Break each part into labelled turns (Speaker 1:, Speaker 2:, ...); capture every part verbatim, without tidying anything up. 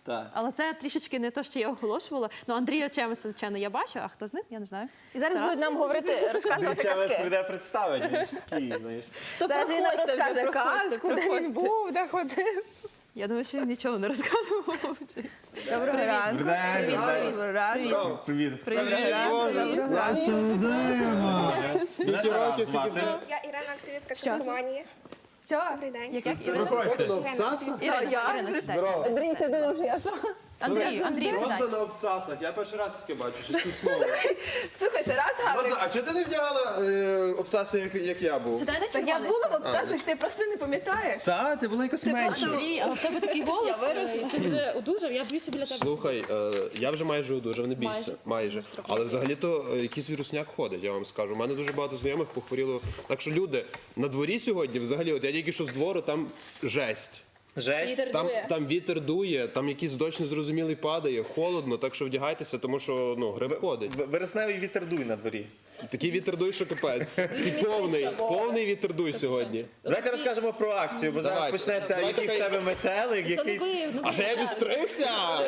Speaker 1: Так.
Speaker 2: Але це трішечки не те, що я оголошувала. Ну, Андрія Чемеса, звичайно, я бачу, а хто з ним, я не знаю.
Speaker 3: І зараз
Speaker 2: Тарас?
Speaker 3: будуть нам говорити, розказувати
Speaker 1: Чемес
Speaker 3: казки.
Speaker 1: прийде представити, він ж такий, знаєш.
Speaker 3: Зараз він нам
Speaker 2: проходьте вже,
Speaker 3: розкаже
Speaker 2: проходьте,
Speaker 3: казку, де він
Speaker 2: проходьте.
Speaker 3: був, де ходив.
Speaker 2: Я думаю, що він нічого не розкаже.
Speaker 3: Доброго ранку.
Speaker 1: Привіт,
Speaker 3: Доброго ранку.
Speaker 1: Привіт.
Speaker 3: Доброго ранку. Доброго ранку.
Speaker 1: Скільки років звати?
Speaker 4: Я Ірина, активістка Космонії.
Speaker 3: Що?
Speaker 4: Добрий день.
Speaker 2: Як, як Ірина?
Speaker 1: Проходьте до Обцаса.
Speaker 2: Ірина,
Speaker 3: я?
Speaker 2: Ірина, сідай.
Speaker 3: Андрій, ти думав, що я що?
Speaker 2: Андрій, Андрій, сідай.
Speaker 1: Просто на Обцасах. Я перший раз таке бачу, що це слово.
Speaker 3: Слухай, Тарас Гаврик.
Speaker 1: А чого ти не вдягала е, Обцаси, як, як я був?
Speaker 2: Сідай на
Speaker 3: Так я
Speaker 2: червоний.
Speaker 3: була в обцасах, ти просто не пам'ятаєш.
Speaker 1: Так, ти була якась менша.
Speaker 2: Андрій, але в тебе такий голос. е, Ти вже одужав, я боюся біля тебе.
Speaker 5: Слухай, е, я вже майже одужав, не бійся,
Speaker 2: Майже.
Speaker 5: майже. Але взагалі-то е, якийсь вірусняк ходить, я вам скажу. У мене дуже багато знайомих похворіло. Так що люди, на дворі сьогодні, взагалі, от я тільки що з двору, там жесть.
Speaker 1: Жесть.
Speaker 5: Там, там вітер дує, там якийсь дощ незрозумілий падає, холодно, так що вдягайтеся, тому що ну, грип ходить.
Speaker 1: В- Вересневий вітер дуй на дворі.
Speaker 5: Такий вітер дуй, що капець. І повний, повний вітер дуй сьогодні.
Speaker 1: Давайте розкажемо про акцію, бо зараз
Speaker 5: Давайте.
Speaker 1: почнеться,
Speaker 5: Давайте
Speaker 1: який в
Speaker 5: хай-
Speaker 1: тебе метелик, який...
Speaker 5: А ще я підстригся!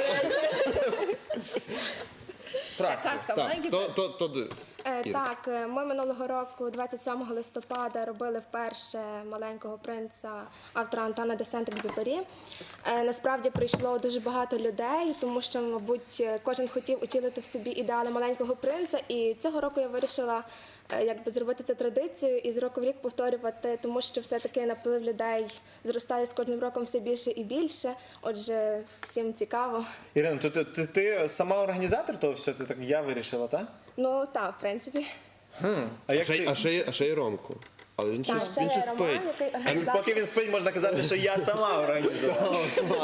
Speaker 3: Казка,
Speaker 5: Так,
Speaker 3: маленький.
Speaker 5: то, то, то,
Speaker 4: Е,
Speaker 5: Іра.
Speaker 4: Так, е, ми минулого року, двадцять сьомого листопада, робили вперше «Маленького принца» автора Антуана де Сент-Екзюпері. Е, Насправді прийшло дуже багато людей, тому що, мабуть, кожен хотів утілити в собі ідеали маленького принца. І цього року я вирішила е, якби зробити це традицією і з року в рік повторювати, тому що все-таки наплив людей зростає з кожним роком все більше і більше. Отже, всім цікаво.
Speaker 1: Ірина, то ти, ти, ти сама організатор того всього? Ти так я вирішила, так?
Speaker 4: Ну так, в принципі.
Speaker 1: А
Speaker 5: А
Speaker 1: як
Speaker 5: ще, й-
Speaker 1: ти?
Speaker 5: а ще, є- а ще є Ромко. Але він
Speaker 4: Так,
Speaker 5: щось,
Speaker 4: ще
Speaker 5: він
Speaker 4: є
Speaker 5: щось
Speaker 4: Роман,
Speaker 5: спить.
Speaker 4: який
Speaker 1: А
Speaker 4: організатор.
Speaker 1: Поки він спить, можна казати, що я сама організувала.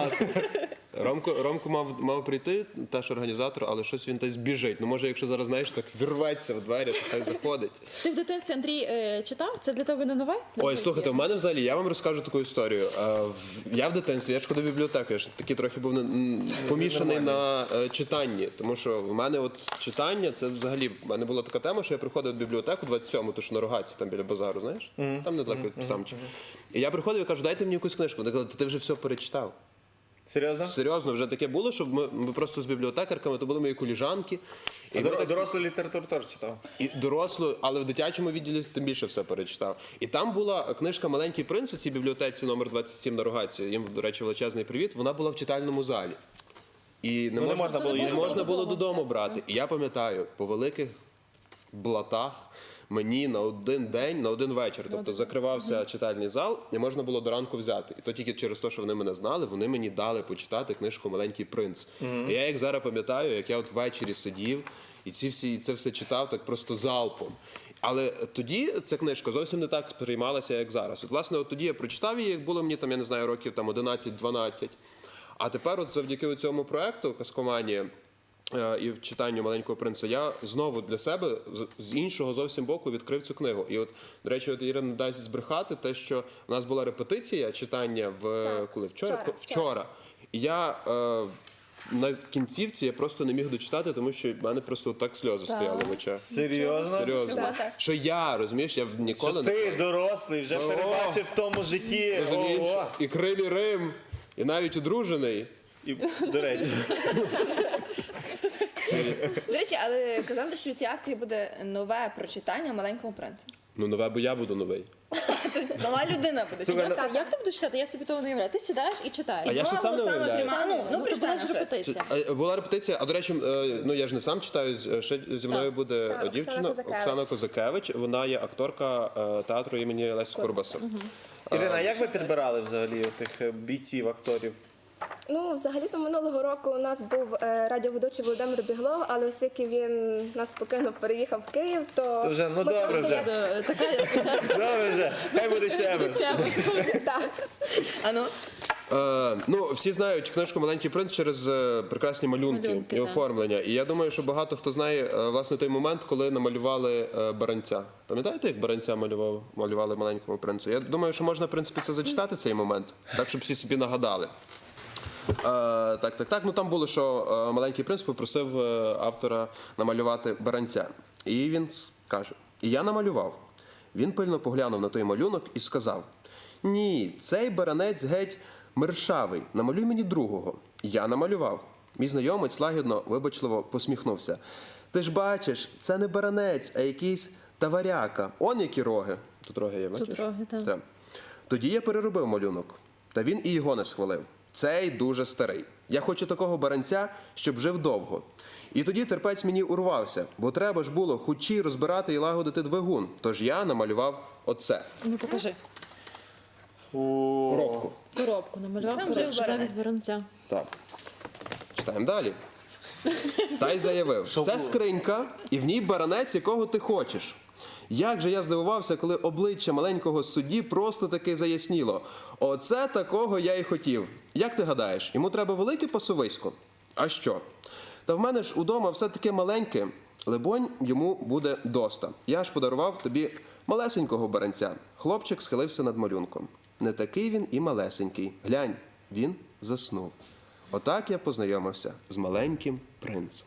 Speaker 5: Ромко, Ромко мав, мав прийти, теж організатор, але щось він десь біжить. Ну може, якщо зараз, знаєш, так вірветься в двері, то хай заходить.
Speaker 2: Ти в дитинстві, Андрій, е, читав? Це для тебе не нове?
Speaker 5: Ой, слухайте, в мене взагалі, я вам розкажу таку історію. Е, в- Я в дитинстві, я ж ходив в бібліотеку, я ж такий трохи був м, помішаний на е, читанні. Тому що в мене от читання, це взагалі, в мене була така тема, що я приходив в бібліотеку двадцять сьому, то що на Рогаці, там біля базару, знаєш? Там недалеко від Самчі. І я приходив і кажу, дайте мені якусь книжку. Вони казали, ти вже все перечитав.
Speaker 1: Серйозно?
Speaker 5: Серйозно, вже таке було, що ми, ми просто з бібліотекарками, то були мої коліжанки. І,
Speaker 1: А
Speaker 5: ми
Speaker 1: дор-
Speaker 5: так-
Speaker 1: Дорослу літературу теж читав.
Speaker 5: і дорослу, але в дитячому відділі тим більше все перечитав. І там була книжка «Маленький принц» у цій бібліотеці номер двадцять сім на Рогаці. Їм, до речі, величезний привіт. Вона була в читальному залі. І не,
Speaker 1: Ну, не можна було
Speaker 5: не
Speaker 1: її
Speaker 5: можна було додому брати. І я пам'ятаю, по великих блатах мені на один день, на один вечір, тобто закривався читальний зал, і можна було до ранку взяти. І то тільки через те, що вони мене знали, вони мені дали почитати книжку «Маленький принц». І я як зараз пам'ятаю, як я от ввечері сидів і ці всі, і це все читав так просто залпом. Але тоді ця книжка зовсім не так сприймалася, як зараз. От, власне, от тоді я прочитав її, як було мені там, я не знаю, років там одинадцять-дванадцять. А тепер от завдяки цьому проекту «Казкоманія» е, і в читанню «Маленького принца» я знову для себе з- з іншого зовсім боку відкрив цю книгу. І от, до речі, от Ірина не дасть збрехати те, що у нас була репетиція читання в коли вчора.
Speaker 4: вчора,
Speaker 5: вчора. І я е, на кінцівці я просто не міг дочитати, тому що в мене просто так сльози стояли в очах.
Speaker 1: Серйозно?
Speaker 5: Серйозно. Що я, розумієш, я в- ніколи
Speaker 1: Що ти дорослий, вже
Speaker 5: О!
Speaker 1: перебачив в тому житті.
Speaker 5: розумієш,
Speaker 1: Ого!
Speaker 5: і крилі Рим, і навіть одружений.
Speaker 1: І, до речі,
Speaker 3: До речі, але казали, що у цій акції буде нове прочитання «Маленького принца».
Speaker 5: Ну, нове, бо я буду новий.
Speaker 3: Тобто нова людина буде.
Speaker 1: Слухай,
Speaker 3: читати.
Speaker 2: Так, як ти будеш читати? Я собі того не уявляю. Ти сідаєш і читаєш.
Speaker 5: А я ще сам не
Speaker 3: Голосами
Speaker 5: уявляю.
Speaker 3: приймаю. Ну, ну,
Speaker 2: то
Speaker 3: прочитай
Speaker 2: була ж
Speaker 3: нам щось.
Speaker 2: репетиція.
Speaker 5: А, Була репетиція, а до речі, е, ну я ж не сам читаю, з- ще зі мною буде
Speaker 4: Так, Оксана
Speaker 5: дівчина
Speaker 4: Козакевич.
Speaker 5: Оксана Козакевич. Вона є акторка е, театру імені Лесі Курбаса.
Speaker 1: Ірина, як ви підбирали взагалі тих е, бійців, акторів?
Speaker 4: Ну, взагалі-то минулого року у нас був е, радіоведучий Володимир Біглов, але оскільки він нас покинув, переїхав в Київ, то...
Speaker 1: То вже, ну
Speaker 4: ми
Speaker 1: добре
Speaker 4: просто
Speaker 1: вже.
Speaker 4: як-
Speaker 2: Е, Така
Speaker 1: Добре вже, хай буде чемес.
Speaker 4: Так.
Speaker 3: А ну?
Speaker 5: Е, ну, всі знають книжку «Маленький принц» через е, прекрасні малюнки,
Speaker 2: Малюнки,
Speaker 5: і
Speaker 2: так.
Speaker 5: оформлення. І я думаю, що багато хто знає е, власне той момент, коли намалювали е, баранця. Пам'ятаєте, як баранця малював, малювали «Маленькому принцу»? Я думаю, що можна, в принципі, це зачитати цей момент, так, щоб всі собі нагадали. Е, так, так, так. Ну там було, що е, «Маленький принц» попросив е, автора намалювати баранця. І він с- каже: «І я намалював». Він пильно поглянув на той малюнок і сказав: «Ні, цей баранець геть мершавий, намалюй мені другого». Я намалював. Мій знайомець лагідно, вибачливо посміхнувся. Ти ж бачиш, це не баранець, а якийсь таваряка. Он які роги. Тут роги є, бачиш?
Speaker 2: Тут роги, так.
Speaker 5: Так. Тоді я переробив малюнок. Та він і його не схвалив. Цей дуже старий. Я хочу такого баранця, щоб жив довго. І тоді терпець мені урвався, бо треба ж було хучі розбирати і лагодити двигун. Тож я намалював оце.
Speaker 2: Ну покажи.
Speaker 5: Коробку.
Speaker 2: Коробку намалював,
Speaker 3: Там
Speaker 2: коробку
Speaker 3: жив
Speaker 2: замість баранця.
Speaker 5: Так. Читаємо далі. Та й заявив, це скринька, і в ній баранець, якого ти хочеш. Як же я здивувався, коли обличчя маленького судді просто таки заясніло. Оце такого я й хотів. Як ти гадаєш, йому треба велике пасовисько? А що? Та в мене ж удома все таке маленьке. Либонь, йому буде доста. Я ж подарував тобі малесенького баранця. Хлопчик схилився над малюнком. Не такий він і малесенький. Глянь, він заснув. Отак я познайомився з маленьким принцем.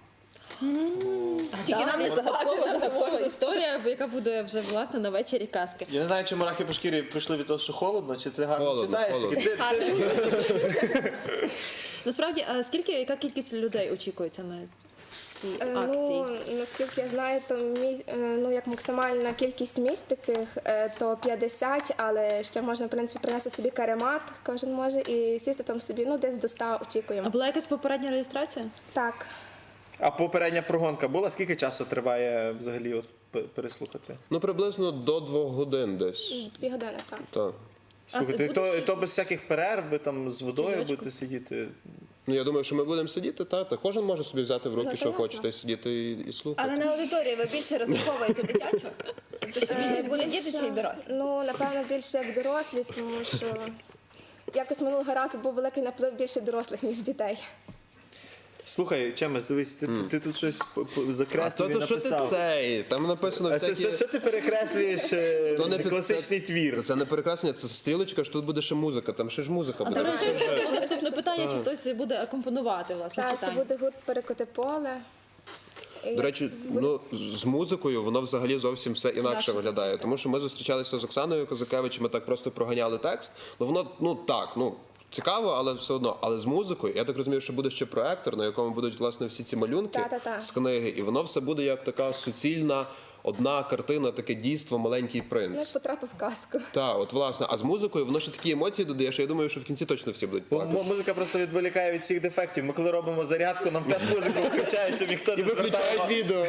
Speaker 3: Тільки нам не
Speaker 2: загадкова, загадкова історія, яка буде вже власне на вечері казки.
Speaker 1: Я не знаю, чи мурахи по шкірі прийшли від того, що холодно, чи ти гарно
Speaker 5: Холодно,
Speaker 1: читаєш.
Speaker 5: холодно.
Speaker 1: Тільки ти- ти-
Speaker 2: Насправді, а скільки, яка кількість людей очікується на цій
Speaker 4: Е,
Speaker 2: акції?
Speaker 4: Ну, наскільки я знаю, то мі... е, ну, як максимальна кількість місць таких, е, то п'ятдесят, але ще можна, в принципі, принести собі каремат, кожен може, і сісти там собі, ну, десь до ста
Speaker 2: А
Speaker 4: очікуємо.
Speaker 2: була якась попередня реєстрація?
Speaker 4: Так.
Speaker 1: А попередня прогонка була? Скільки часу триває взагалі от п- переслухати?
Speaker 5: Ну, приблизно до двох годин десь.
Speaker 4: Дві години, так.
Speaker 5: Так.
Speaker 1: Слухайте,
Speaker 2: ти
Speaker 1: і то,
Speaker 2: будеш-
Speaker 1: і то без всяких перерв, ви там з водою
Speaker 2: Чайочку?
Speaker 1: будете сидіти.
Speaker 5: Ну, я думаю, що ми будемо сидіти, та, та кожен може собі взяти в руки,
Speaker 4: Ну,
Speaker 5: що
Speaker 4: то
Speaker 5: хоче,
Speaker 4: ясно.
Speaker 5: та й сидіти і, і слухати.
Speaker 3: Але на аудиторії ви більше розраховуєте дитячу? Тобто це більшість буде діти чи й дорослі?
Speaker 4: Ну, напевно, більше як дорослі, тому що якось минулого разу був великий наплив більше дорослих, ніж дітей.
Speaker 1: Слухай, Чемес, дивись, ти, ти, ти тут щось п- п-
Speaker 5: А
Speaker 1: закреслив
Speaker 5: то,
Speaker 1: і
Speaker 5: то що ти
Speaker 1: написав.
Speaker 5: цей? Там написано
Speaker 1: А що,
Speaker 5: всякі...
Speaker 1: що, що ти перекреслюєш е,
Speaker 5: То не під-
Speaker 1: класичний
Speaker 5: це-
Speaker 1: твір?
Speaker 5: Це не перекреслення, це стрілочка, що тут буде ще музика, там ще ж музика
Speaker 2: А
Speaker 5: буде.
Speaker 2: до речі, наступне питання, чи хтось буде акомпонувати власне
Speaker 4: Так, це
Speaker 2: читання?
Speaker 4: буде гурт «Перекоти поле». І
Speaker 5: До речі, ну з музикою воно взагалі зовсім все інакше
Speaker 2: Інакше
Speaker 5: виглядає. Тому що ми зустрічалися з Оксаною Козакевич, ми так просто проганяли текст. Ну воно ну так, ну цікаво, але все одно. Але з музикою, я так розумію, що буде ще проектор, на якому будуть власне всі ці малюнки
Speaker 4: Та-та-та.
Speaker 5: з книги, і воно все буде як така суцільна одна картина, таке дійство «Маленький
Speaker 4: як
Speaker 5: принц».
Speaker 4: потрапив в казку.
Speaker 5: Так, от власне, а з музикою воно ще такі емоції додає, що я думаю, що в кінці точно всі будуть
Speaker 1: Бо
Speaker 5: плакати.
Speaker 1: м- музика просто відволікає від всіх дефектів. Ми коли робимо зарядку, нам теж музику включають, щоб ніхто не звертав.
Speaker 5: відео.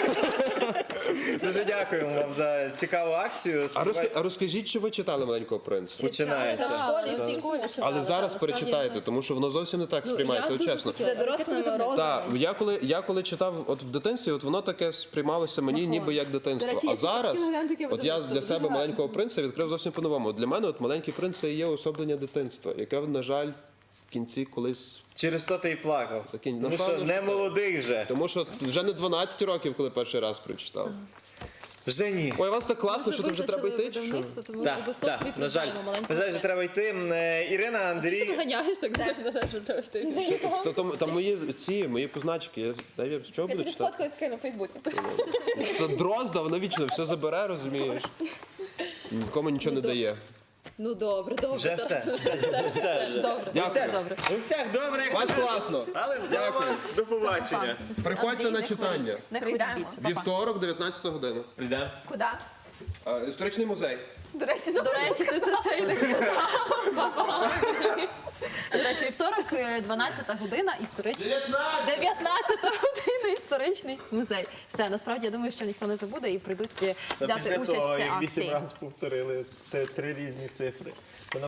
Speaker 1: Дуже дякуємо вам за цікаву акцію.
Speaker 5: А,
Speaker 1: Сподіваюсь,
Speaker 5: розка... а розкажіть, чи ви читали «Маленького принца»?
Speaker 1: починається.
Speaker 3: В школі всі
Speaker 2: школі читали,
Speaker 5: Але
Speaker 2: так,
Speaker 5: зараз
Speaker 2: насправді,
Speaker 5: перечитайте, тому що воно зовсім не так
Speaker 2: Ну,
Speaker 5: сприймається,
Speaker 2: я
Speaker 5: от
Speaker 2: дуже
Speaker 5: чесно.
Speaker 2: хотіла.
Speaker 3: Вже дорослими розумом.
Speaker 5: Так, я коли я коли читав от в дитинстві, от воно таке сприймалося мені ніби як дитинство.
Speaker 2: До речі,
Speaker 5: А
Speaker 2: я
Speaker 5: зараз,
Speaker 2: хотіла глянути, яке
Speaker 5: от я
Speaker 2: видавництво,
Speaker 5: для
Speaker 2: дуже
Speaker 5: себе
Speaker 2: гарно.
Speaker 5: маленького принца відкрив зовсім по-новому. Для мене от маленький принц це і є уособлення дитинства, яке, на жаль, в кінці колись.
Speaker 1: Через то ти і плакав.
Speaker 5: Закінь.
Speaker 1: Тому що
Speaker 5: Напевно,
Speaker 1: не
Speaker 5: що-
Speaker 1: молодий вже.
Speaker 5: Тому що вже не дванадцять років, коли перший раз прочитав.
Speaker 1: Вже ні.
Speaker 5: Ой, у вас так класно, що тут вже треба йти. чи що?
Speaker 2: видавництво, тому
Speaker 1: Так,
Speaker 2: обов'язково
Speaker 1: так,
Speaker 2: собі
Speaker 1: на жаль,
Speaker 2: придбаємо маленьку
Speaker 1: на жаль, вже
Speaker 2: книгу.
Speaker 1: треба йти. Е, Ірина,
Speaker 2: Ти
Speaker 1: Андрій.
Speaker 2: ганяєш, так знаєш, на жаль, що треба йти.
Speaker 5: Що, то, там, там мої ці, мої позначки. Я, дай я з чого
Speaker 3: Я
Speaker 5: буду
Speaker 3: тобі
Speaker 5: читати?
Speaker 3: сфоткаю і скину в Фейсбуці.
Speaker 5: Та дрозда, вона вічно все забере, розумієш? Нікому нічого не дає.
Speaker 2: Ну добре, добре.
Speaker 1: Вже
Speaker 2: добре,
Speaker 1: все.
Speaker 2: все, все, все, добре.
Speaker 5: Дякую.
Speaker 2: Добре.
Speaker 1: У всіх добре,
Speaker 5: У вас класно.
Speaker 1: але вдома. До побачення.
Speaker 5: Приходьте на читання.
Speaker 2: Не
Speaker 3: Прийдемо.
Speaker 2: ходіть більше.
Speaker 5: Вівторок, дев'ятнадцята година.
Speaker 1: Прийдемо.
Speaker 3: Куди?
Speaker 5: А, Історичний музей.
Speaker 3: До речі,
Speaker 2: До речі, ти це, це і не сказав. До речі, вівторок, е, дванадцята година, історичний. дев'ятнадцята година, історичний музей. Все, насправді, я думаю, що ніхто не забуде і прийдуть е,
Speaker 1: Та
Speaker 2: взяти
Speaker 1: після
Speaker 2: участь
Speaker 1: того,
Speaker 2: в цій
Speaker 1: як вісім
Speaker 2: акції.
Speaker 1: разів повторили те- три різні цифри.